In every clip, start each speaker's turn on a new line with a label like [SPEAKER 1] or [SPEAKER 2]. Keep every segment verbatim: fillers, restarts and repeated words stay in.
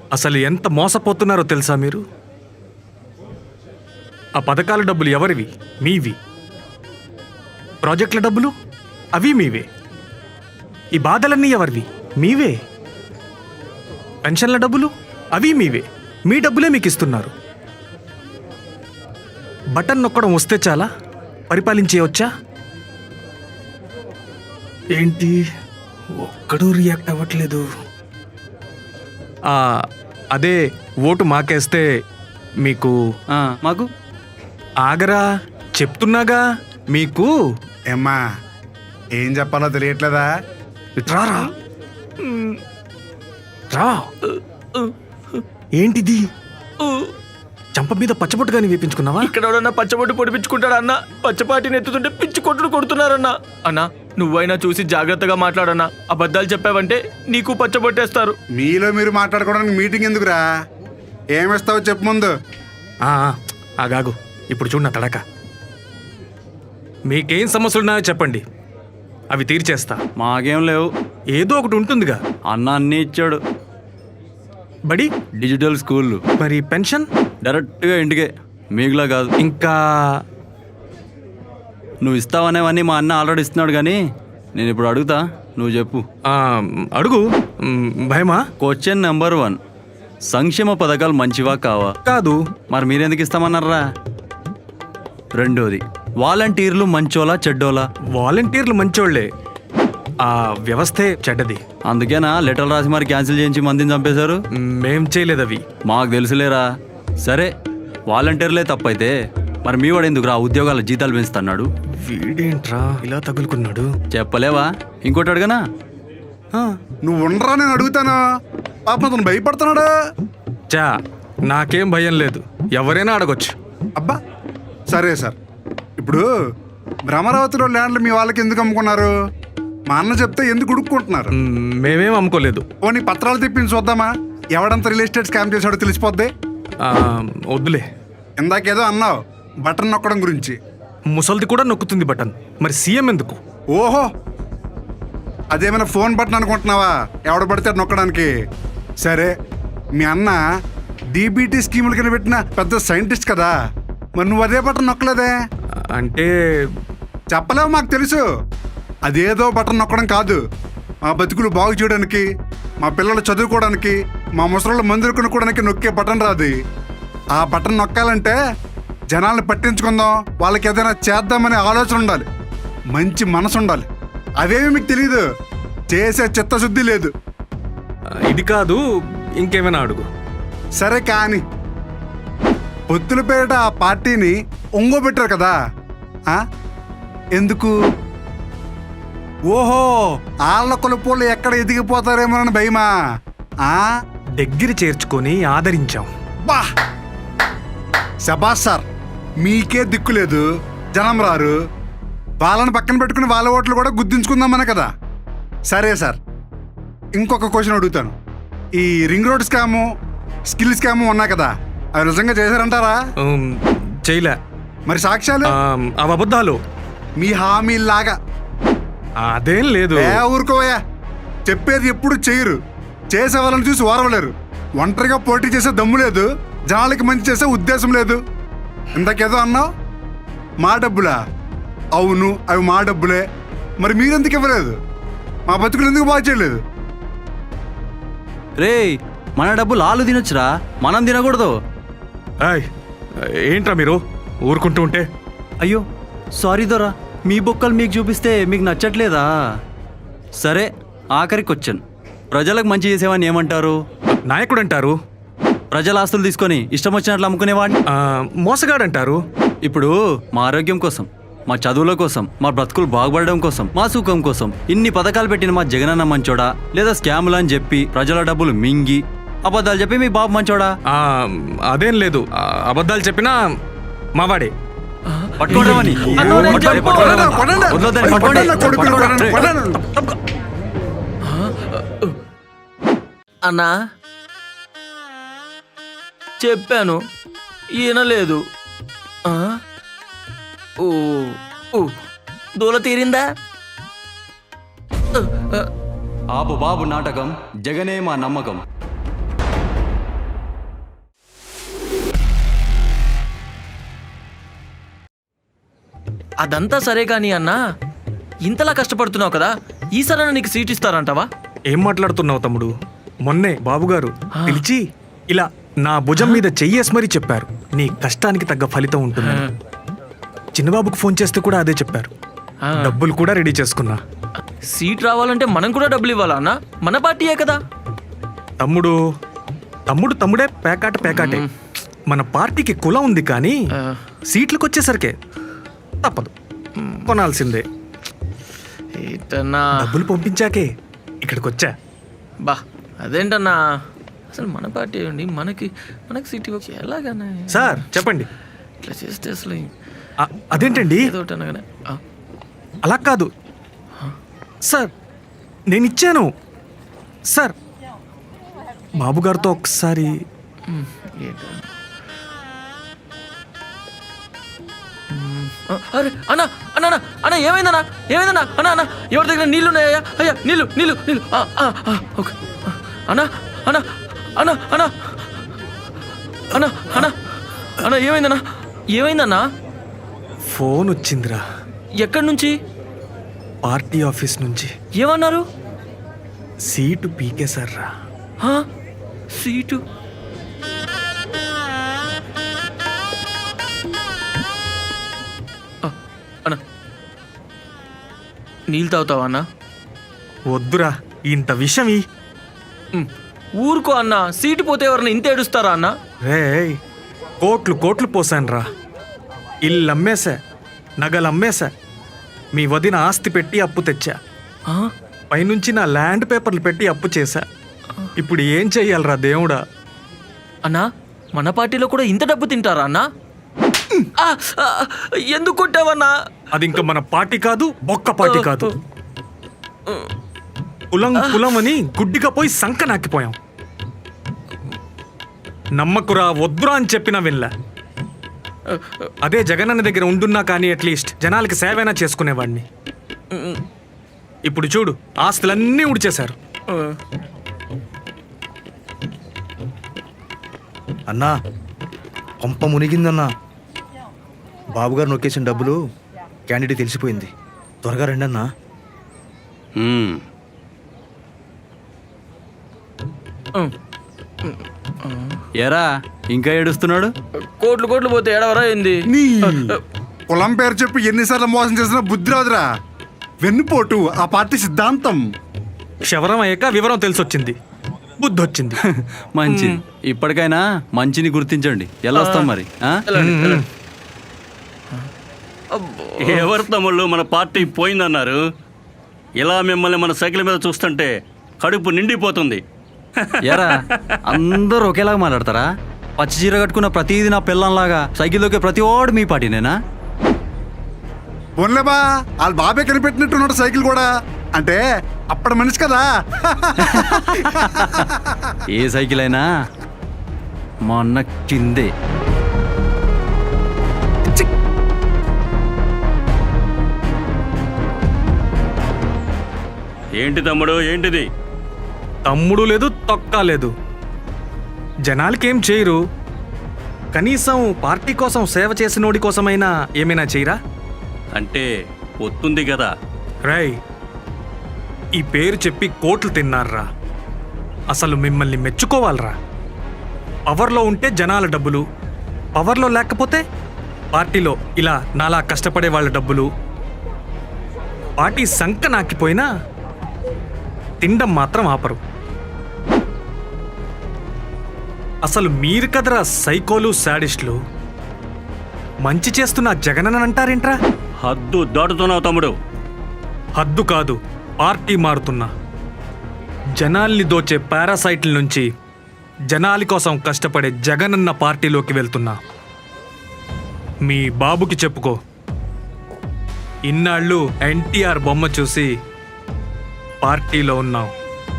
[SPEAKER 1] అసలు ఎంత మోసపోతున్నారో తెలుసా మీరు? ఆ పథకాల డబ్బులు ఎవరివి? మీవి. ప్రాజెక్టుల డబ్బులు అవి మీవే. ఈ బాధలన్నీ ఎవరివి? మీవే. పెన్షన్ల డబ్బులు అవి మీవే. మీ డబ్బులే మీకు ఇస్తున్నారు. బటన్ నొక్కడం వస్తే చాలా పరిపాలించేయవచ్చా? ఏంటి ఒక్కడూ రియాక్ట్ అవ్వట్లేదు? అదే ఓటు మాకేస్తే మీకు
[SPEAKER 2] మాకు
[SPEAKER 1] ఆగరా చెప్తున్నాగా. మీకు
[SPEAKER 3] ఏమ్మా ఏం చెప్పాలో తెలియట్లేదా?
[SPEAKER 1] రారా రా. ఏంటిది? చంప మీద పచ్చబొట్టుగాని వేపించుకున్నావా?
[SPEAKER 4] ఇక్కడ ఎవడన్నా పచ్చబొట్టు పొడిపించుకుంటాడా అన్న? పచ్చపాటిని ఎత్తుతుంటే పిచ్చి కొట్టుడు కొడుతున్నారన్నా. అన్నా నువ్వైనా చూసి జాగ్రత్తగా మాట్లాడన్నా. అబద్ధాలు చెప్పావంటే నీకు పచ్చబొట్టేస్తారు.
[SPEAKER 3] మీలో మీరు మాట్లాడుకోవడానికి మీటింగ్ ఎందుకురా? ఏమిస్తావో చెప్పు ముందు.
[SPEAKER 1] ఆగాగు, ఇప్పుడు చూడు నా తడక. మీకేం సమస్యలున్నాయో చెప్పండి, అవి తీర్చేస్తా.
[SPEAKER 2] మాకేం లేవు.
[SPEAKER 1] ఏదో ఒకటి ఉంటుందిగా.
[SPEAKER 2] అన్న అన్నీ ఇచ్చాడు.
[SPEAKER 1] బడి
[SPEAKER 2] డిజిటల్ స్కూల్,
[SPEAKER 1] మరి పెన్షన్
[SPEAKER 2] డైరెక్ట్గా ఇంటికే, మీకులా కాదు.
[SPEAKER 1] ఇంకా
[SPEAKER 2] నువ్వు ఇస్తావనేవన్నీ మా అన్న ఆల్రెడీ ఇస్తున్నాడు, కానీ నేను ఇప్పుడు అడుగుతా, నువ్వు చెప్పు.
[SPEAKER 1] అడుగు. భయమా?
[SPEAKER 2] క్వశ్చన్ నెంబర్ వన్, సంక్షేమ పథకాలు మంచివా కావా?
[SPEAKER 1] కాదు.
[SPEAKER 2] మరి మీరెందుకు ఇస్తామన్నారా? రెండోది, వాలంటీర్లు మంచోలా చెడ్డోలా?
[SPEAKER 1] వాలంటీర్లు మంచోళ్లే, ఆ వ్యవస్థే చెడ్డది.
[SPEAKER 2] అందుకేనా లెటర్ రాసి మరి క్యాన్సిల్ చేయించి మందిని చంపేశారు?
[SPEAKER 1] మేం చేయలేదు అవి.
[SPEAKER 2] మాకు తెలుసులేరా. సరే వాలంటీర్లే తప్పైతే మరి మీ వాడు ఎందుకు రా ఉద్యోగాల జీతాలు పెంచుతున్నాడు?
[SPEAKER 1] వీడేంట్రా ఇలా తగులుకున్నాడు?
[SPEAKER 2] చెప్పలేవా? ఇంకోటి అడగనా?
[SPEAKER 3] నువ్వు ఉండరా, నేను అడుగుతాను. పాపం అతను భయపడుతున్నాడు.
[SPEAKER 1] చా నాకేం భయం లేదు, ఎవరైనా అడగొచ్చు.
[SPEAKER 3] అబ్బా సరే సార్, ఇప్పుడు భ్రమరావతిలో ల్యాండ్లు మీ వాళ్ళకి ఎందుకు అమ్ముకున్నారు? మా అన్న చెప్తే ఎందుకు ఉడుక్కుంటున్నారు?
[SPEAKER 1] మేమేం అమ్ముకోలేదు.
[SPEAKER 3] పోనీ పత్రాలు తెప్పించి చూద్దామా? ఎవడంతా రియల్ ఎస్టేట్ స్కామ్ చేశాడో తెలిసిపోద్ది.
[SPEAKER 1] వద్దులే.
[SPEAKER 3] ఇందాకేదో అన్నావు బటన్ నొక్కడం గురించి.
[SPEAKER 1] ముసల్ది కూడా నొక్కుతుంది బటన్, మరి సీఎం ఎందుకు?
[SPEAKER 3] ఓహో, అదేమైనా ఫోన్ బటన్ అనుకుంటున్నావా? ఎవడ పడితే నొక్కడానికి. సరే, మీ అన్న డీబీటీ స్కీముల కింద పెట్టిన పెద్ద సైంటిస్ట్ కదా, మరి నువ్వు అదే బటన్ నొక్కలేదే?
[SPEAKER 1] అంటే
[SPEAKER 3] చెప్పలేవు, మాకు తెలుసు. అదేదో బటన్ నొక్కడం కాదు, మా బతుకులు బాగు చేయడానికి, మా పిల్లలు చదువుకోవడానికి, మా ముసళ్ళు మందులు కొనుక్కోవడానికి నొక్కే బటన్ రాదు. ఆ బటన్ నొక్కాలంటే జనాల్ని పట్టించుకుందాం, వాళ్ళకి ఏదైనా చేద్దామనే ఆలోచన ఉండాలి, మంచి మనసు ఉండాలి. అవేమి మీకు తెలీదు, చేసే చిత్తశుద్ధి లేదు.
[SPEAKER 1] ఇది కాదు, ఇంకేమైనా అడుగు.
[SPEAKER 3] సరే కానీ పొత్తుల పేరిట ఆ పార్టీని ఒంగోబెట్టారు కదా, ఎందుకు? ఓహో, ఆళ్ళ కొలుపులు ఎక్కడ ఎదిగిపోతారేమోనని భయమా?
[SPEAKER 1] దగ్గర చేర్చుకొని ఆదరించాం.
[SPEAKER 3] బా శబాష్ సార్, మీకే దిక్కు లేదు, జనం రారు, వాళ్ళని పక్కన పెట్టుకుని వాళ్ళ ఓట్లు కూడా గుర్తించుకుందామనే కదా. సరే సార్, ఇంకొక క్వశ్చన్ అడుగుతాను. ఈ ring road scam, skill scam ఉన్నాయి కదా, అవి నిజంగా చేశారంటారా?
[SPEAKER 1] చేయలే.
[SPEAKER 3] మరి సాక్ష్యాలు?
[SPEAKER 1] అవి అబద్ధాలు.
[SPEAKER 3] మీ హామీలాగా.
[SPEAKER 1] అదేం లేదు.
[SPEAKER 3] ఊరుకోవయ్యా, చెప్పేది ఎప్పుడు చేయరు, చేసే వాళ్ళని చూసి ఓరవలేరు. ఒంటరిగా పోటీ చేసే దమ్ము లేదు, జనాలకి మంచి చేసే ఉద్దేశం లేదు. ఇంతకేదో అన్నావు, మా డబ్బులా? అవును, అవి మా డబ్బులే. మరి మీరెందుకు ఇవ్వలేదు? మా బతుకులు ఎందుకు బాగా చేయలేదు?
[SPEAKER 2] రే, మన డబ్బులు ఆలు తినొచ్చురా, మనం తినకూడదు.
[SPEAKER 1] ఏంట్రా మీరు ఊరుకుంటూ ఉంటే?
[SPEAKER 2] అయ్యో సారీ దొరా, మీ బొక్కలు మీకు చూపిస్తే మీకు నచ్చట్లేదా? సరే, ఆఖరి క్వశ్చన్, ప్రజలకు మంచి చేసేవాడిని ఏమంటారు?
[SPEAKER 1] నాయకుడు అంటారు.
[SPEAKER 2] ప్రజల ఆస్తులు తీసుకొని ఇష్టం వచ్చినట్లు అమ్ముకునేవాడిని
[SPEAKER 1] మోసగాడంటారు.
[SPEAKER 2] ఇప్పుడు మా ఆరోగ్యం కోసం, మా చదువుల కోసం, మా బ్రతుకులు బాగుపడడం కోసం, మా సుఖం కోసం ఇన్ని పథకాలు పెట్టిన మా జగనన్న మంచోడా, లేదా స్కాములు అని చెప్పి ప్రజల డబ్బులు మింగి అబద్ధాలు చెప్పి మీ బాబు మంచోడా?
[SPEAKER 1] అదేం లేదు, అబద్ధాలు చెప్పినా మావాడే.
[SPEAKER 2] పట్టుకోవడమని
[SPEAKER 4] అన్నా చెప్పాను, ఈయన లేదు. ఓ దూల తీరిందా?
[SPEAKER 2] ఆపు బాబు నాటకం, జగనే మా నమ్మకం.
[SPEAKER 4] అదంతా సరే కానీ అన్నా ఇంతలా కష్టపడుతున్నావు కదా ఈసారైనా నీకు సీట్ ఇస్తారంటావా?
[SPEAKER 1] ఏం మాట్లాడుతున్నావు తమ్ముడు? మొన్నే బాబుగారు పిలిచి ఇలా నా భుజం మీద చెయ్యేసి మరీ చెప్పారు, నీ కష్టానికి తగ్గ ఫలితం ఉంటుంది. చిన్నబాబుకు ఫోన్ చేస్తే కూడా అదే చెప్పారు.
[SPEAKER 4] ఆ.
[SPEAKER 1] డబ్బులు కూడా రెడీ చేసుకున్నా.
[SPEAKER 4] సీట్ రావాలంటే మనం కూడా డబ్బులు ఇవ్వాలా అన్నా? మన పార్టీయే కదా.
[SPEAKER 1] తమ్ముడు తమ్ముడు తమ్ముడే, పేకాట పేకాటే. మన పార్టీకి కులం ఉంది కానీ
[SPEAKER 4] ఆ.
[SPEAKER 1] సీట్లకు వచ్చేసరికే తప్పదు, కొనాల్సిందే.
[SPEAKER 4] ఏంటన్నా
[SPEAKER 1] డబ్బులు పంపించాకే ఇక్కడికి వచ్చా.
[SPEAKER 4] బా అదేంటన్నా, అసలు మన పార్టీ అండి, మనకి మనకి సీట్ ఇవ్వచ్చు ఎలాగన్నా?
[SPEAKER 1] సార్ చెప్పండి.
[SPEAKER 4] ఇట్లా చేస్తే అసలు
[SPEAKER 1] ఆ, అదేంటండి
[SPEAKER 4] ఏదో ఒకటి అనగానే ఆ,
[SPEAKER 1] అలా కాదు సార్, నేను ఇచ్చాను సార్. బాబుగారితో ఒకసారి
[SPEAKER 4] ఉమ్, ఏంటన్నా? ఉమ్, ఆ, అరే అన్నా అన్నా అన్నా, అన్నా ఏమైందన్నా ఏమైందన్నా? అన్నా అన్నా ఎవరి దగ్గర నీళ్ళు ఉన్నాయా? అయ్యా నీళ్ళు నీళ్ళు నీళ్ళు ఆ, ఆ, ఆ, ఓకే ఆ, అన్నా అన్నా అన్నా అన్నా అన్నా అన్నా అన్నా ఏమైందన్నా ఏమైందన్నా?
[SPEAKER 1] ఫోన్ వచ్చిందిరా,
[SPEAKER 4] ఎక్కడి నుంచి?
[SPEAKER 1] పార్టీ ఆఫీస్ నుంచి.
[SPEAKER 4] ఏమన్నారు?
[SPEAKER 1] సీటు పీకేశారా.
[SPEAKER 4] ఆ, సీటు ఆ, అన్నా నీళ్ళు తాగుతావా అన్నా?
[SPEAKER 1] వద్దురా, ఇంత విషయం ఈ
[SPEAKER 4] ఉమ్, ఊరుకో అన్నా, సీటు పోతే ఎవరన్నా ఇంత ఏడుస్తారా అన్నా?
[SPEAKER 1] రే కోట్లు కోట్లు పోసానురా. ఇల్లు అమ్మేశా, నగలు అమ్మేశా, మీ వదిన ఆస్తి పెట్టి అప్పు తెచ్చా,
[SPEAKER 4] ఆ,
[SPEAKER 1] పైనుంచి నా ల్యాండ్ పేపర్లు పెట్టి అప్పు చేశా. ఇప్పుడు ఏం చెయ్యాలరా దేవుడా?
[SPEAKER 4] అన్నా మన పార్టీలో కూడా ఇంత డబ్బు తింటారా అన్నా? ఆ, ఆ, ఎందుకు కొట్టావన్నా?
[SPEAKER 1] అది ఇంకా మన పార్టీ కాదు, బొక్క పార్టీ కాదు. కులం కులం అని గుడ్డిగా పోయి సంక నాకిపోయాం. నమ్మకురా, వద్దురా అని చెప్పినా వినలే. అదే జగనన్న దగ్గర ఉండున్నా కానీ అట్లీస్ట్ జనాలకి సేవైనా చేసుకునేవాడిని. ఇప్పుడు చూడు, ఆస్తులన్నీ ఉడిచేశారు.
[SPEAKER 5] అన్నా కొంప మునిగిందన్నా. బాబుగారు నొక్కేసిన డబ్బులు క్యాండిడేట్ తెలిసిపోయింది. త్వరగా రండి అన్నా.
[SPEAKER 2] మ్మ్. ఎరా ఇంకా ఏడుస్తున్నాడు?
[SPEAKER 4] కోట్లు కోట్లు పోతే ఏడవరా ఏంది?
[SPEAKER 3] నీ కులం పేరు చెప్పి ఎన్నిసార్లు మోసం చేసినా బుద్ధి రాదురా. వెన్నుపోటు ఆ పార్టీ సిద్ధాంతం.
[SPEAKER 1] క్షవరం అయ్యాక వివరం తెలిసొచ్చింది, బుద్ధి వచ్చింది.
[SPEAKER 2] మంచిది, ఇప్పటికైనా మంచిని గుర్తించండి. ఎలా వస్తాం మరి ఆ?
[SPEAKER 4] వెళ్ళండి, వెళ్ళండి.
[SPEAKER 6] ఎవరు తమ్ముళ్ళు మన పార్టీ పోయిందన్నారు? ఇలా మిమ్మల్ని మన సైకిల్ మీద చూస్తుంటే కడుపు నిండిపోతుంది.
[SPEAKER 2] ఎరా అందరూ ఒకేలాగా మాట్లాడతారా? పచ్చి చీర కట్టుకున్న ప్రతిదీ నా పిల్లంలాగా సైకిల్లోకి ప్రతి వాడు మీ పార్టీనేనా?
[SPEAKER 3] పోన్లేబా, వాళ్ళ బాబే కనిపెట్టినట్టున్నాడు సైకిల్ కూడా. అంటే అప్పటి మనిషి కదా.
[SPEAKER 2] ఏ సైకిల్ అయినా మా అన్న కిందే.
[SPEAKER 6] ఏంటి తమ్ముడు, ఏంటిది?
[SPEAKER 1] తమ్ముడు లేదు, తొక్క లేదు. జనాలకేం చేయరు, కనీసం పార్టీ కోసం సేవ చేసినోడి కోసమైనా ఏమైనా చేయరా?
[SPEAKER 6] అంటే ఒత్తుంది కదా.
[SPEAKER 1] రై, ఈ పేరు చెప్పి కోట్లు తిన్నారా. అసలు మిమ్మల్ని మెచ్చుకోవాలరా. పవర్లో ఉంటే జనాల డబ్బులు, పవర్లో లేకపోతే పార్టీలో ఇలా నాలా కష్టపడే వాళ్ళ డబ్బులు. పార్టీ సంక నాకిపోయినా తినడం మాత్రం ఆపరు. అసలు మీరు కదరా సైకోలు, శాడిస్టులు. మంచి చేస్తున్న జగనన్న అంటారేంట్రా?
[SPEAKER 6] హద్దు దాటుతున్నావు తమ్ముడు.
[SPEAKER 1] హద్దు కాదు, పార్టీ మారుతున్నా. జనాల్ని దోచే పారాసైట్ల నుంచి జనాలి కోసం కష్టపడే జగనన్న పార్టీలోకి వెళ్తున్నా. మీ బాబుకి చెప్పుకో, ఇన్నాళ్ళు ఎన్టీఆర్ బొమ్మ చూసి పార్టీలో ఉన్నావు.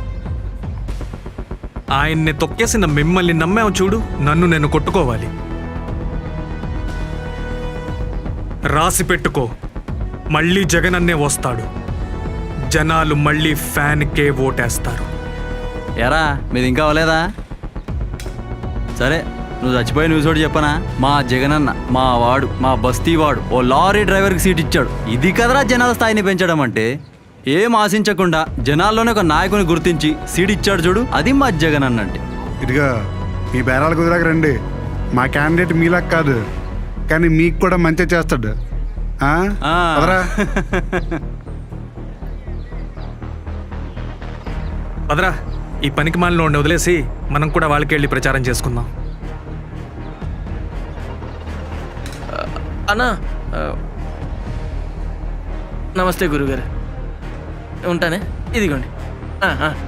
[SPEAKER 1] ఆయన్ని తొక్కేసిన మిమ్మల్ని నమ్మావు చూడు, నన్ను నేను కొట్టుకోవాలి. రాసి పెట్టుకో, మళ్ళీ జగనన్నే వస్తాడు. జనాలు మళ్ళీ ఫ్యాన్కే ఓటేస్తారు.
[SPEAKER 2] ఎరా మీది ఇంకా అవ్వలేదా? సరే నువ్వు చచ్చిపోయి న్యూస్ ఒకటి చెప్పనా? మా జగనన్న మా వాడు మా బస్తీ వాడు ఓ లారీ డ్రైవర్కి సీట్ ఇచ్చాడు. ఇది కదరా జనాల స్థాయిని పెంచడం అంటే. ఏం ఆశించకుండా జనాల్లోనే ఒక నాయకుని గుర్తించి సీట్ ఇచ్చాడు చూడు, అది మా జగనన్న అంటే.
[SPEAKER 3] ఇదిగా మీ బేరాలు కుదిరాక రండి. మా క్యాండిడేట్ మీలా కాదు, కానీ మీకు కూడా మంచి చేస్తాడు. ఆ?
[SPEAKER 2] ఆ.
[SPEAKER 3] పదరా.
[SPEAKER 1] పదరా, ఈ పనికి మాలిన వాడిని వదిలేసి మనం కూడా వాళ్ళకి వెళ్ళి ప్రచారం చేసుకుందాం.
[SPEAKER 4] అన్నా ఆ, నమస్తే గురుగారు, ఉంటానే. ఇదిగోండి. ఆ, ఆ.